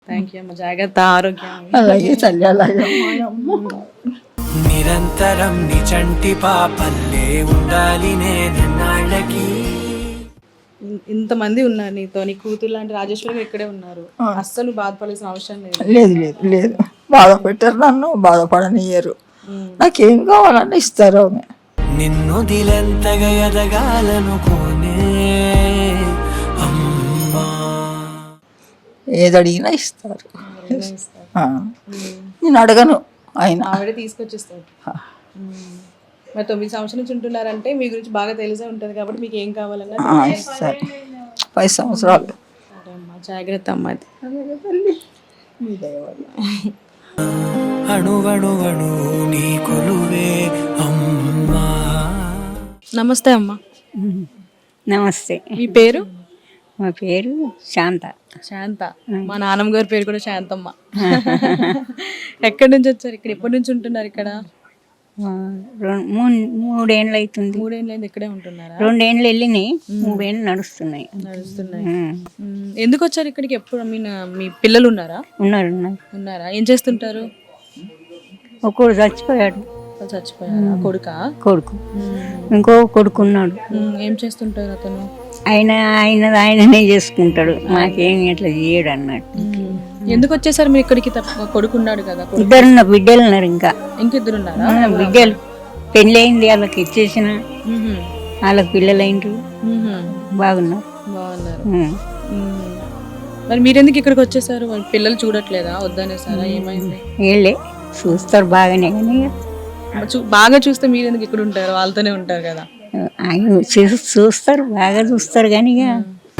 Thank you అమ్మ. జాగ్రత్త, ఆరోగ్యం. అలాగే తల్లి, అలాగే. నిరంతరం నిచంటి పాపల్లే ఉండాలి నేనన్నాళ్ళకి. ఇంతమంది ఉన్నారు నీతో, నీ కూతురు లాంటి రాజేశ్వరి గారు ఇక్కడే ఉన్నారు. అస్సలు బాధపడాల్సిన అవసరం లేదు. లేదు లేదు లేదు, బాధ పెట్టారు నన్ను, బాధపడనియ్యరు. నాకేం కావాలన్నా ఇస్తారు ఆమె. నిన్ను దిలెంతగా ఎదగాలనుకోనే అమ్మా. ఏది అడిగినా ఇస్తారు. నేను అడగను, ఆయన ఆవిడే తీసుకొచ్చేస్తారు. మరి 9 సంవత్సరాల నుంచి ఉంటున్నారంటే మీ గురించి బాగా తెలిసే ఉంటుంది కాబట్టి మీకు ఏం కావాలన్నా ఇస్తారు. 10 సంవత్సరాలు. సరే అమ్మా, జాగ్రత్త అమ్మా. అణువణువణు నీ కొలువే అమ్మా. నమస్తే అమ్మా. నమస్తే. మీ పేరు? మా పేరు శాంత. శాంత. మా నాన్నమ్మ గారి పేరు కూడా శాంతమ్మ. ఎక్కడి నుంచి వచ్చారు ఇక్కడ? ఎప్పటి నుంచి ఉంటున్నారు ఇక్కడ? 3 ఏళ్ళు అవుతుంది. 3 ఏళ్ళైంది ఇక్కడే ఉంటున్నారా? 2 ఏళ్ళు వెళ్ళినాయి, 3 ఏళ్ళు నడుస్తున్నాయి. ఎందుకు వచ్చారు ఇక్కడికి? ఎప్పుడు మీ పిల్లలు ఉన్నారా? ఉన్నారు. ఉన్నారా? ఏం చేస్తుంటారు? ఒకడు చచ్చిపోయాడు. చచ్చిపోయారా? కొడుకు. ఇంకో కొడుకు ఉన్నాడు. ఏం చేస్తుంటారు అతను? ఆయననే చేసుకుంటాడు, మాకేమి ఇట్లా చేయడు అన్నట్టు. ఎందుకు వచ్చేసారు మీరు ఇక్కడికి? కొడుకు ఉన్నాడు కదా. 2 బిడ్డలు ఉన్నారు. ఇంకిద్దరు ఉన్నారా? బిడ్డలు పెళ్ళి అయింది, వాళ్ళకి ఇచ్చేసిన, వాళ్ళకి పిల్లలు అయిండ్రు, బాగున్నారు. మరి మీరెందుకు ఇక్కడికి వచ్చేసారు? పిల్లలు చూడట్లేదా? వద్దనేసారా? ఏమైంది? వీళ్ళే చూస్తారు బాగానే, కానీ బాగా చూస్తే మీరెందుకు ఇక్కడ ఉంటారు? వాళ్ళతోనే ఉంటారు కదా. ఆయన చూస్తారు, బాగా చూస్తారు, కానీ ఇక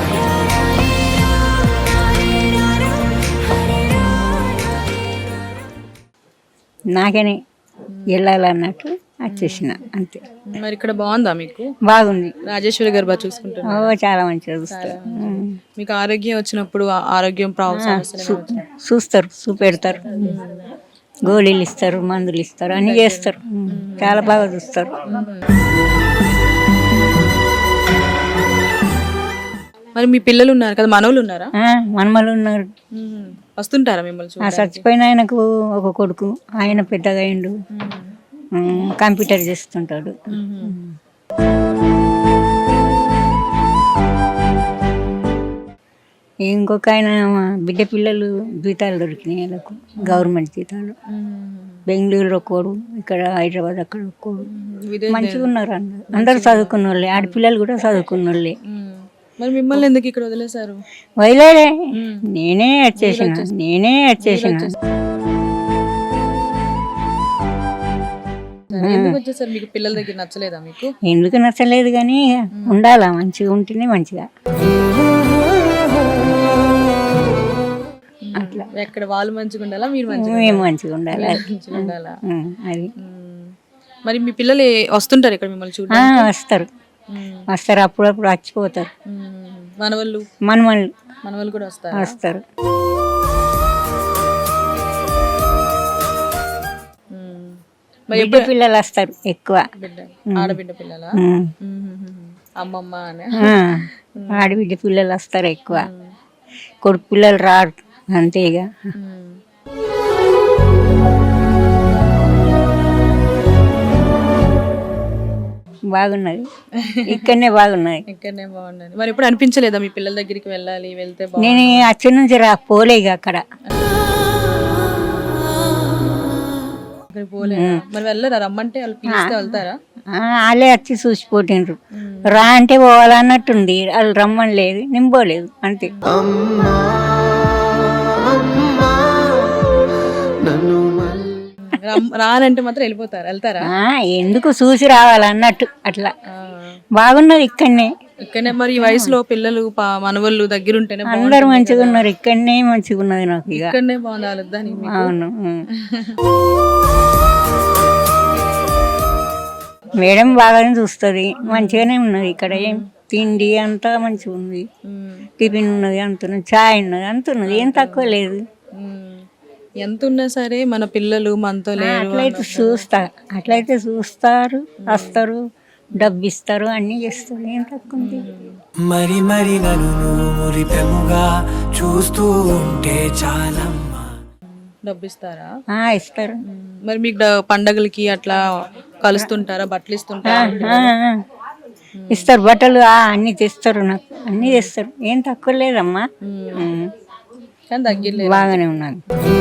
నాకనే వెళ్ళాలన్నట్టు వచ్చేసిన అంతే. మరి ఇక్కడ బాగుందా మీకు? బాగుంది. రాజేశ్వరి గారు బాగా చూసుకుంటారు. చాలా మంచిగా చూస్తారు. మీకు ఆరోగ్యం వచ్చినప్పుడు ఆరోగ్యం చూస్తారు, చూపెడతారు, గోళీలు ఇస్తారు, మందులు ఇస్తారు, అన్ని చేస్తారు. చాలా బాగా చూస్తారు. మరి మీ పిల్లలు ఉన్నారు కదా, మనవలు ఉన్నారా? మనమలు ఉన్నారు. వస్తుంటారా మిమ్మల్ని? చచ్చిపోయిన ఆయనకు ఒక కొడుకు, ఆయన పెద్దగా అయిండు, కంప్యూటర్ చేస్తుంటాడు. ఇంకొక ఆయన బిడ్డ పిల్లలు జీతాలు దొరికినాయి వాళ్ళకు, గవర్నమెంట్ జీతాలు. బెంగళూరులో కోడు, ఇక్కడ హైదరాబాద్ అక్కడ కోడు. మంచిగా ఉన్నారు అందరు చదువుకున్న వాళ్ళే, ఆడపిల్లలు కూడా చదువుకున్న వాళ్ళే. మరి మిమ్మల్ని ఎందుకు ఇక్కడ వదిలేశారు? వదిలేదే, నేనే వచ్చేసిన. ఎందుకు వచ్చేసారు? మీకు పిల్లల దగ్గర నచ్చలేదా? మీకు ఎందుకు నచ్చలేదు, కానీ ఉండాలా, మంచిగా ఉంటేనే మంచిగా. అట్లా ఎక్కడ వాళ్ళు మంచిగా ఉండాలా, మీరు మేము మంచిగా ఉండాలి. అది. మరి మీ పిల్లలు వస్తుంటారు ఇక్కడ మిమ్మల్ని చూడండి? వస్తారు, అప్పుడప్పుడు వచ్చిపోతారు. మనవళ్ళు కూడా వస్తారు. బిడ్డ పిల్లలు వస్తారు ఎక్కువ. ఆడబిడ్డ పిల్లల అమ్మమ్మ అని ఆడబిడ్డ పిల్లలు వస్తారు ఎక్కువ, కొడుకు పిల్లలు రారు అంతేగా. బాగున్నది, ఇక్కడనే బాగున్నది. మరి ఎప్పుడు అనిపించలేదా మీ పిల్లల దగ్గరికి వెళ్ళాలి, వెళ్తే? నేను అచ్చడి నుంచి పోలేక అక్కడ మరి వెళ్ళరా? రమ్మంటే వాళ్ళు పిలిస్తే వెళ్తారా? వాళ్ళే వచ్చి చూసిపోతుండ్రు, రా అంటే పోవాలన్నట్టుంది, వాళ్ళు రమ్మని లేదు, నేను పోలేదు అంతే. రానంటే మాత్రం వెళ్తారా? ఎందుకు చూసి రావాలన్నట్టు అట్లా. బాగున్నది ఇక్కడనే. మరి ఈ వయసులో పిల్లలు మనవళ్ళు దగ్గర ఉంటేనే అందరు మంచిగా ఉన్నారు. ఇక్కడనే మంచిగా ఉన్నది నాకు. ఇక్కడనే బాగుండాలి. అవును. మేడం బాగానే చూస్తుంది, మంచిగానే ఉన్నది ఇక్కడ. ఏం తిండి అంతా మంచిగా ఉంది, టిఫిన్ ఉన్నది, అంతున్నది, చాయ్ ఉన్నది, అంతున్నది, ఏం తక్కువ లేదు. ఎంత ఉన్నా సరే మన పిల్లలు మనతో లేరు. అట్లయితే చూస్తారు, వస్తారు, డబ్బు ఇస్తారు, అన్నీ చేస్తారు. ఏం తక్కువ ఉంది? మరి మరి నన్ను నువ్వు మురిపెముగా చూస్తూ ఉంటే చాలమ్మా. డబ్బు ఇస్తారా? ఇస్తారు. మరి మీకు పండగలకి అట్లా కలుస్తుంటారా? బట్టలు ఇస్తుంటారా? ఇస్తారు బట్టలు, అన్నీ తెస్తారు, నాకు అన్నీ తెస్తారు. ఏం తక్కువ లేదమ్మా. కానీ తగ్గిలేదు. బాగానే ఉన్నాను.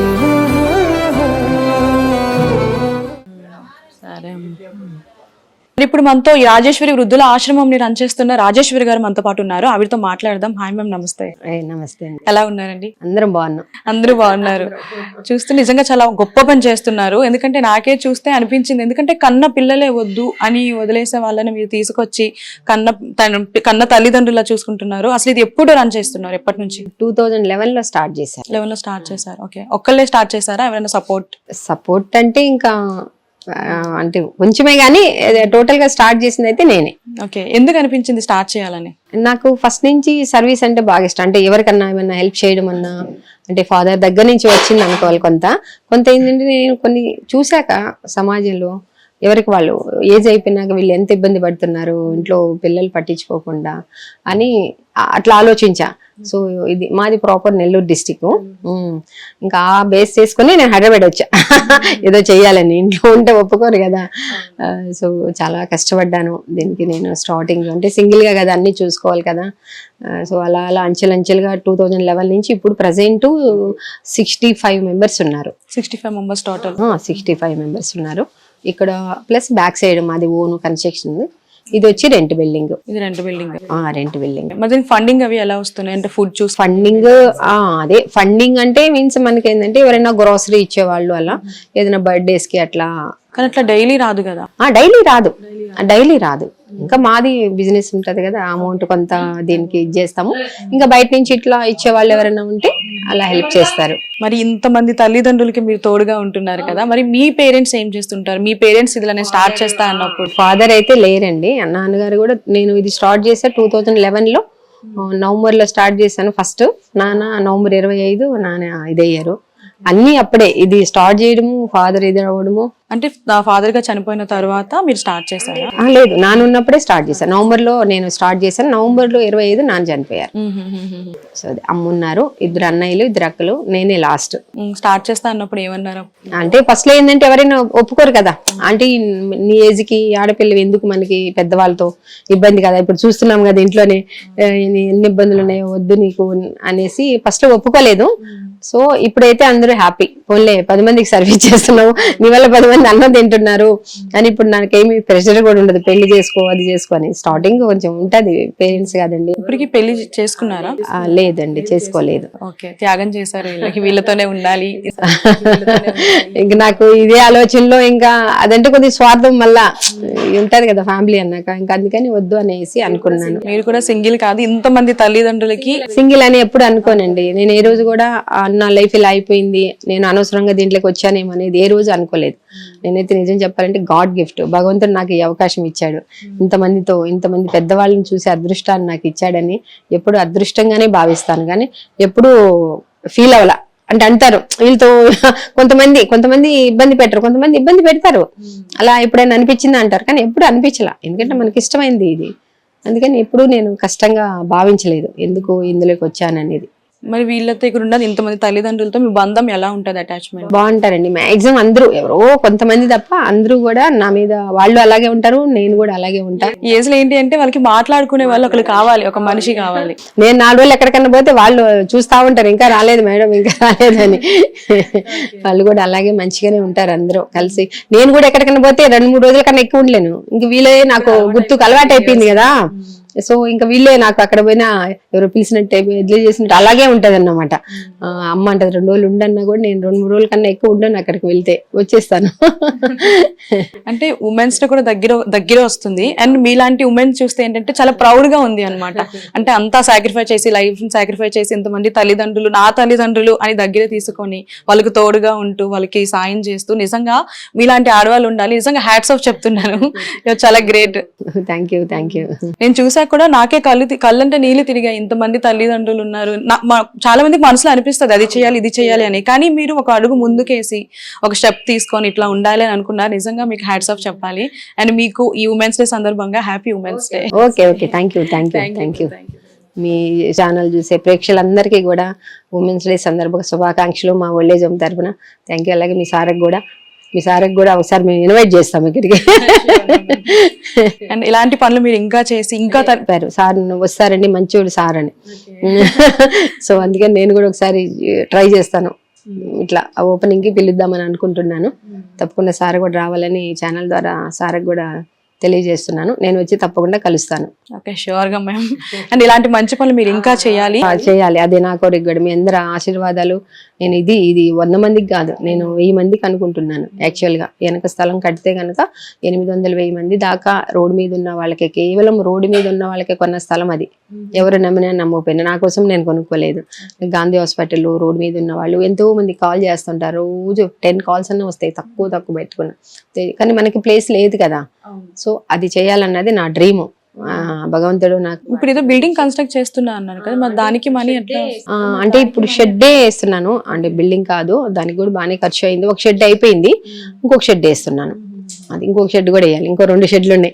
సరే. మరి ఇప్పుడు మనతో ఈ రాజేశ్వరి వృద్ధుల ఆశ్రమం రన్ చేస్తున్న రాజేశ్వరి గారు మనతో పాటు ఉన్నారు. ఆవిడతో మాట్లాడదాం. హాయ్ మ్యామ్, నమస్తే. నమస్తే అండి. ఎలా ఉన్నారండి? అందరం బాగున్నాం. అందరూ బాగున్నారు. చూస్తే నిజంగా చాలా గొప్ప పని చేస్తున్నారు. ఎందుకంటే నాకే చూస్తే అనిపించింది, ఎందుకంటే కన్న పిల్లలే వద్దు అని వదిలేసే వాళ్ళని మీరు తీసుకొచ్చి కన్న తల్లిదండ్రులా చూసుకుంటున్నారు. అసలు ఇది ఎప్పుడు రన్ చేస్తున్నారు? ఎప్పటి నుంచి? 2011లో స్టార్ట్ చేశారు. 11లో స్టార్ట్ చేశారు. ఓకే. ఒక్కళ్ళే స్టార్ట్ చేశారా? ఎవరైనా సపోర్ట్ అంటే ఇంకా అంటే కొంచెమే కానీ టోటల్ గా స్టార్ట్ చేసింది అయితే నేనే. ఓకే. ఎందుకు అనిపించింది స్టార్ట్ చేయాలని? నాకు ఫస్ట్ నుంచి సర్వీస్ అంటే బాగా ఇష్టం. అంటే ఎవరికన్నా ఏమన్నా హెల్ప్ చేయడం అన్నా, అంటే ఫాదర్ దగ్గర నుంచి వచ్చింది అనుకోవాలి. కొంత ఏంటంటే నేను కొన్ని చూశాక సమాజంలో ఎవరికి వాళ్ళు ఏజ్ అయిపోయినాక వీళ్ళు ఎంత ఇబ్బంది పడుతున్నారు ఇంట్లో పిల్లలు పట్టించుకోకుండా అని అట్లా ఆలోచించా. సో ఇది మాది ప్రాపర్ నెల్లూరు డిస్టిక్. ఇంకా ఆ బేస్ చేసుకుని నేను హైదరాబాద్ వచ్చా. ఏదో చెయ్యాలని, ఇంట్లో ఉంటే ఒప్పుకోరు కదా. సో చాలా కష్టపడ్డాను దీనికి. నేను స్టార్టింగ్ అంటే సింగిల్ గా కదా అన్ని చూసుకోవాలి కదా. సో అలా అంచెలంచెలుగా 2011 నుంచి ఇప్పుడు ప్రజెంట్ 65 మెంబర్స్ ఉన్నారు. 65 మెంబర్స్ టోటల్. 65 మెంబర్స్ ఉన్నారు. ఇక్కడ ప్లస్ బ్యాక్ సైడ్ మాది ఓన్ కన్స్ట్రక్షన్. ఇది వచ్చి రెంట్ బిల్డింగ్. ఇది రెంట్ బిల్డింగ్. Rent building. మరి ఫండింగ్ అవి ఎలా వస్తున్నాయి? అంటే ఫుడ్ చూసి ఫండింగ్ అదే ఫండింగ్ అంటే మీన్స్ మనకి ఏంటంటే ఎవరైనా గ్రోసరీ ఇచ్చేవాళ్ళు అలా ఏదైనా బర్త్డేస్ కి అట్లా. కానీ అట్లా డైలీ రాదు కదా. డైలీ రాదు. ఇంకా మాది బిజినెస్ ఉంటది కదా, అమౌంట్ కొంత దీనికి ఇచ్చేస్తాము. ఇంకా బయట నుంచి ఇట్లా ఇచ్చే వాళ్ళు ఎవరైనా ఉంటే అలా హెల్ప్ చేస్తారు. మరి ఇంతమంది తల్లిదండ్రులకి మీరు తోడుగా ఉంటున్నారు కదా, మరి మీ పేరెంట్స్ ఏం చేస్తుంటారు? మీ పేరెంట్స్ ఇదిలా నేను స్టార్ట్ చేస్తా అన్నప్పుడు? ఫాదర్ అయితే లేరండి. నాన్నగారు కూడా, నేను ఇది స్టార్ట్ చేసా 2011లో నవంబర్ లో స్టార్ట్ చేశాను ఫస్ట్. నాన్న నవంబర్ 25, నాన్న ఇదయ్యారు. అన్ని అప్పుడే ఇది స్టార్ట్ చేయడము, ఫాదర్ ఇది అవ్వడము. అంటే ఫాదర్ గా చనిపోయిన తర్వాత మీరు స్టార్ట్ చేశారా? లేదు, నాన్న ఉన్నప్పుడే స్టార్ట్ చేశాను. నవంబర్ లో నేను స్టార్ట్ చేశాను. నవంబర్ లో 25 నాన్న చనిపోయారు. సో అది అమ్మున్నారు, 2 అన్నయ్యలు 2 అక్కలు, నేనే లాస్ట్. స్టార్ట్ చేస్తా అన్నప్పుడు ఏమన్నారు? అంటే ఫస్ట్ లో ఏంటంటే ఎవరైనా ఒప్పుకోరు కదా. అంటే నీ ఏజ్ కి ఆడపిల్లవి ఎందుకు మనకి పెద్దవాళ్ళతో ఇబ్బంది కదా, ఇప్పుడు చూస్తున్నాం కదా ఇంట్లోనే ఎన్ని ఇబ్బందులు ఉన్నాయో, వద్దు నీకు అనేసి ఫస్ట్ లో ఒప్పుకోలేదు. సో ఇప్పుడైతే అందరూ హ్యాపీ. పోన్లే 10 మందికి సర్వీస్ చేస్తున్నావు, నీ వల్ల 10 మంది అన్నం తింటున్నారు అని. ఇప్పుడు నాకేమి ప్రెషర్ కూడా ఉండదు, పెళ్లి చేసుకో అది చేసుకో అని. స్టార్టింగ్ కొంచెం ఉంటది పేరెంట్స్ కాదండి. ఇప్పటికి పెళ్లి చేసుకున్నారా? లేదండి, చేసుకోలేదు. ఓకే. త్యాగం చేశారు, వీళ్ళతోనే ఉండాలి. ఇంకా నాకు ఇదే ఆలోచనలో, ఇంకా అదంటే కొద్దిగా స్వార్థం మళ్ళా ఉంటది కదా ఫ్యామిలీ అన్నాక, ఇంకా అందుకని వద్దు అనేసి అనుకున్నాను. మీరు కూడా సింగిల్ కాదు, ఇంతమంది తల్లిదండ్రులకి సింగిల్ అని ఎప్పుడు అనుకోనండి. నేను ఏ రోజు కూడా నా లైఫ్ ఇలా అయిపోయింది, నేను అనవసరంగా దీంట్లోకి వచ్చానేమో అనేది ఏ రోజు అనుకోలేదు. నేనైతే నిజం చెప్పాలంటే గాడ్ గిఫ్ట్, భగవంతుడు నాకు ఈ అవకాశం ఇచ్చాడు. ఇంతమంది పెద్దవాళ్ళని చూసే అదృష్టాన్ని నాకు ఇచ్చాడని ఎప్పుడు అదృష్టంగానే భావిస్తాను. కానీ ఎప్పుడు ఫీల్ అవ్వాల. అంటే అంటారు వీళ్ళతో కొంతమంది ఇబ్బంది పెట్టరు, కొంతమంది ఇబ్బంది పెడతారు. అలా ఎప్పుడైనా అనిపించింది అంటారు, కానీ ఎప్పుడు అనిపించలా. ఎందుకంటే మనకి ఇష్టమైంది ఇది, అందుకని ఎప్పుడు నేను కష్టంగా భావించలేదు ఎందుకు ఇందులోకి వచ్చాననేది. మరి వీళ్ళతో ఇక్కడ ఉన్నది ఇంతమంది తల్లిదండ్రులతో మీ బంధం ఎలా ఉంటది? అటాచ్మెంట్ బాగుంటారండి. మాక్సిమం అందరూ, ఎవరో కొంతమంది తప్ప అందరూ కూడా నా మీద వాళ్ళు అలాగే ఉంటారు, నేను కూడా అలాగే ఉంటా. ఏజ్ లో ఏంటి అంటే వాళ్ళకి మాట్లాడుకునే వాళ్ళు ఒకరు కావాలి, ఒక మనిషి కావాలి. నేను 4 రోజులు ఎక్కడికన్నా పోతే వాళ్ళు చూస్తా ఉంటారు, ఇంకా రాలేదు మేడం, ఇంకా రాలేదని. వాళ్ళు కూడా అలాగే మంచిగానే ఉంటారు అందరూ కలిసి. నేను కూడా ఎక్కడికన్నా పోతే 2-3 రోజుల కన్నా ఎక్కువ ఉండలేను. ఇంక వీళ్ళే నాకు గుర్తుకు అలవాటు అయిపోయింది కదా. సో ఇంకా వీళ్ళే నాకు అక్కడ పోయినా ఎవరో పిలిచినట్టు ఎడ్లీ చేసినట్టు అలాగే ఉంటది అన్నమాట. అమ్మ అంటది 2 రోజులు ఉండన్నా కూడా నేను 2-3 రోజుల కన్నా ఎక్కువ ఉండను, అక్కడికి వెళ్తే వచ్చేస్తాను. అంటే ఉమెన్స్ తో కూడా దగ్గర వస్తుంది. అండ్ మీలాంటి ఉమెన్స్ చూస్తే ఏంటంటే చాలా ప్రౌడ్ గా ఉంది అనమాట. అంటే అంతా సాక్రిఫైస్ చేసి, లైఫ్ సాక్రిఫైస్ చేసి, ఇంతమంది తల్లిదండ్రులు నా తల్లిదండ్రులు అని దగ్గర తీసుకొని వాళ్ళకి తోడుగా ఉంటూ వాళ్ళకి సాయం చేస్తూ, నిజంగా మీలాంటి ఆడవాళ్ళు ఉండాలి. నిజంగా హ్యాట్స్ ఆఫ్ చెప్తున్నాను, చాలా గ్రేట్. Thank you. నేను చూసాను చూసాక కూడా నాకే కళ్ళంటే నీళ్ళు తిరిగాయి. ఇంతమంది తల్లిదండ్రులు ఉన్నారు. చాలా మందికి మనసులో అనిపిస్తుంది అది చేయాలి ఇది చేయాలి అని. కానీ మీరు ఒక అడుగు ముందుకేసి ఒక స్టెప్ తీసుకొని ఇట్లా ఉండాలి అని అనుకున్నారు. నిజంగా మీకు హ్యాట్స్ ఆఫ్ చెప్పాలి. అండ్ మీకు ఈ ఉమెన్స్ డే సందర్భంగా happy women's day. Okay okay, thank you. మీ ఛానల్ చూసే ప్రేక్షకులందరికీ కూడా ఉమెన్స్ డే సందర్భంగా శుభాకాంక్షలు మా ఓల్డేజ్ హోమ్ తరఫున. Thank you. అలాగే మీ సార్కి కూడా ఒకసారి మేము ఇన్వైట్ చేస్తాం ఇక్కడికి. అండ్ ఇలాంటి పనులు మీరు ఇంకా చేసి ఇంకా సార్ వస్తారండి, మంచోడు సార్ అని. సో అందుకని నేను కూడా ఒకసారి ట్రై చేస్తాను, ఇట్లా ఓపెనింగ్ కి పిలుద్దామని అనుకుంటున్నాను. తప్పకుండా సార్ కూడా రావాలని ఛానల్ ద్వారా సార్కి కూడా తెలియజేస్తున్నాను. నేను వచ్చి తప్పకుండా కలుస్తాను. ఓకే, షూర్ గా మ్యామ్. అండ్ ఇలాంటి మంచి పనులు మీరు ఇంకా చేయాలి. అదే నా కోరిక కూడా. మీ అందరి ఆశీర్వాదాలు. నేను ఇది 100 మందికి కాదు, నేను 1000 మందికి అనుకుంటున్నాను. యాక్చువల్ గా వెనక స్థలం కడితే కనుక 800-1000 మంది దాకా రోడ్డు మీద ఉన్న వాళ్ళకి, కేవలం రోడ్డు మీద ఉన్న వాళ్ళకే కొన్న స్థలం అది. ఎవరు నమ్మినా నమ్మకపోయినా, నా కోసం నేను కొనుక్కోలేదు. గాంధీ హాస్పిటల్ రోడ్డు మీద ఉన్న వాళ్ళు ఎంతో మంది కాల్ చేస్తుంటారు. రోజు 10 కాల్స్ అన్న వస్తాయి, తక్కువ పెట్టుకున్నా. కానీ మనకి ప్లేస్ లేదు కదా. సో అది చేయాలన్నది నా డ్రీమ్. భగవంతుడు నాకు. ఇప్పుడు ఏదో బిల్డింగ్ కన్స్ట్రక్ట్ చేస్తున్నా అన్నారు కదా, మరి దానికి మనీ ఎట్లా? అంటే ఇప్పుడు షెడ్డే వేస్తున్నాను. అంటే బిల్డింగ్ కాదు, దానికి కూడా బాగానే ఖర్చు అయింది. ఒక షెడ్ అయిపోయింది, ఇంకొక షెడ్ వేస్తున్నాను. అది ఇంకొక షెడ్ కూడా వేయాలి. ఇంకో 2 షెడ్లు ఉన్నాయి.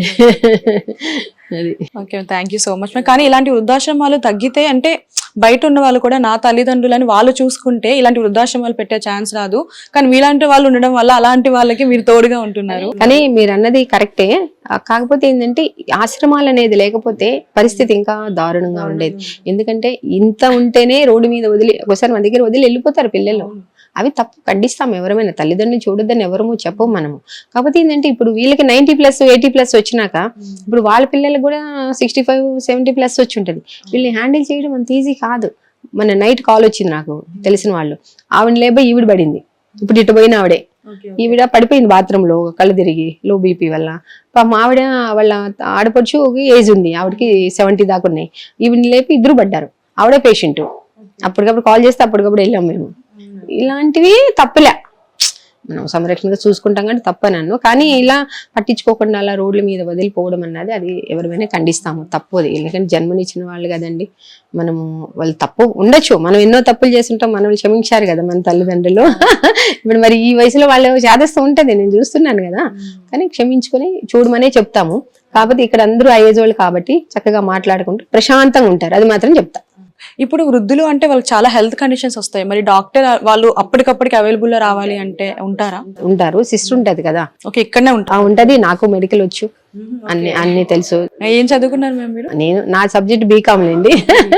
అది. Okay, thank you so much. కానీ ఇలాంటి వృద్ధాశ్రమాలు తగ్గితే, అంటే బయట ఉన్న వాళ్ళు కూడా నా తల్లిదండ్రులని వాళ్ళు చూసుకుంటే ఇలాంటి వృద్ధాశ్రమాలు పెట్టే ఛాన్స్ రాదు. కానీ మీలాంటి వాళ్ళు ఉండడం వల్ల అలాంటి వాళ్ళకి మీరు తోడుగా ఉంటున్నారు. కానీ మీరు అన్నది కరెక్టే. కాకపోతే ఏంటంటే ఆశ్రమాలు అనేది లేకపోతే పరిస్థితి ఇంకా దారుణంగా ఉండేది. ఎందుకంటే ఇంత ఉంటేనే రోడ్డు మీద వదిలి, ఒకసారి మన దగ్గర వదిలి వెళ్ళిపోతారు పిల్లలు. అవి తప్పు, ఖండిస్తాం. ఎవరైనా తల్లిదండ్రులు చూడొద్దని ఎవరము చెప్పము మనము. కాకపోతే ఏంటంటే ఇప్పుడు వీళ్ళకి 90+, 80+ వచ్చినాక ఇప్పుడు వాళ్ళ పిల్లలకు కూడా 65, 70+ వచ్చి ఉంటుంది. వీళ్ళని హ్యాండిల్ చేయడం అంత ఈజీ కాదు. మన నైట్ కాల్ వచ్చింది నాకు తెలిసిన వాళ్ళు. ఆవిడ లేబోయి ఈవిడ పడింది. ఇప్పుడు ఇటు పోయిన ఆవిడే, ఈవిడ పడిపోయింది బాత్రూమ్ లో కళ్ళు తిరిగి, లో బీపీ వల్ల. పాపం ఆవిడ వాళ్ళ ఆడపడుచు ఏజ్ ఉంది, ఆవిడకి 70 దాకా ఉన్నాయి. ఈవిడని లేపి ఇద్దరు పడ్డారు. ఆవిడే పేషెంట్. అప్పటికప్పుడు కాల్ చేస్తే అప్పటికప్పుడు వెళ్ళాం మేము. ఇలాంటివి తప్పులే, మనం సంరక్షణగా చూసుకుంటాం కానీ తప్పనన్ను. కానీ ఇలా పట్టించుకోకుండా అలా రోడ్ల మీద వదిలిపోవడం అన్నది అది ఎవరిమైనా ఖండిస్తాము, తప్పది. ఎందుకంటే జన్మనిచ్చిన వాళ్ళు కదండి. మనము వాళ్ళు తప్పు ఉండొచ్చు, మనం ఎన్నో తప్పులు చేస్తుంటాం, మనల్ని క్షమించారు కదా మన తల్లిదండ్రులు. ఇప్పుడు మరి ఈ వయసులో వాళ్ళు చేదస్తూ ఉంటది, నేను చూస్తున్నాను కదా. కానీ క్షమించుకొని చూడమనే చెప్తాము. కాకపోతే ఇక్కడ అందరూ ఏజ్ వాళ్ళు కాబట్టి చక్కగా మాట్లాడుకుంటూ ప్రశాంతంగా ఉంటారు, అది మాత్రం చెప్తా. ఇప్పుడు వృద్ధులు అంటే వాళ్ళకి చాలా హెల్త్ కండిషన్స్ వస్తాయి. మరి డాక్టర్ వాళ్ళు అప్పటికప్పటికి అవైలబుల్ లో రావాలి అంటే ఉంటారు. సిస్టర్ ఉంటది కదా. ఓకే, ఇక్కడనే ఉంటది. నాకు మెడికల్ వచ్చు, అన్ని తెలుసు. ఏం చదువుకున్నారు మ్యామ్ మీరు? నేను నా సబ్జెక్ట్ బీకామ్ అండి.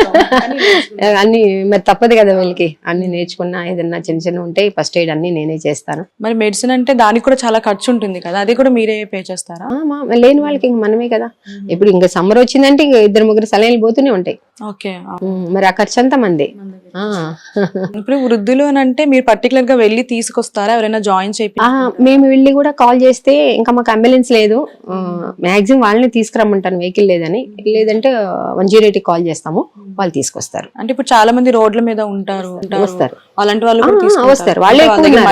అన్ని మరి తప్పదు కదా వీళ్ళకి, అన్ని నేర్చుకున్నా. ఏదన్నా చిన్న ఉంటాయి, ఫస్ట్ ఎయిడ్ అన్ని నేనే చేస్తాను. మరి మెడిసిన్ అంటే దానికి కూడా చాలా ఖర్చు ఉంటుంది కదా, అది కూడా మీరే పే చేస్తారా? లేని వాళ్ళకి ఇంక మనమే కదా. ఇప్పుడు ఇంకా సమ్మర్ వచ్చిందంటే ఇంకా 2-3 సలైన్లు పోతూనే ఉంటాయి. ఓకే, మరి ఆ ఖర్చు అంతా మంది. ఇప్పుడు వృద్ధులు అని అంటే మీరు పర్టికులర్ గా వెళ్ళి తీసుకొస్తారా, ఎవరైనా జాయిన్ చేపి? మేము వెళ్ళి కూడా కాల్ చేస్తే, ఇంకా మాకు అంబులెన్స్ లేదు, మాక్సిమం వాళ్ళని తీసుకురమ్మంటాను వెహికల్ లేదని. లేదంటే 108 కాల్ చేస్తాము, వాళ్ళు తీసుకొస్తారు. అంటే ఇప్పుడు చాలా మంది రోడ్ల మీద ఉంటారు, వస్తారు. అలాంటి వాళ్ళు వస్తారు. వాళ్ళే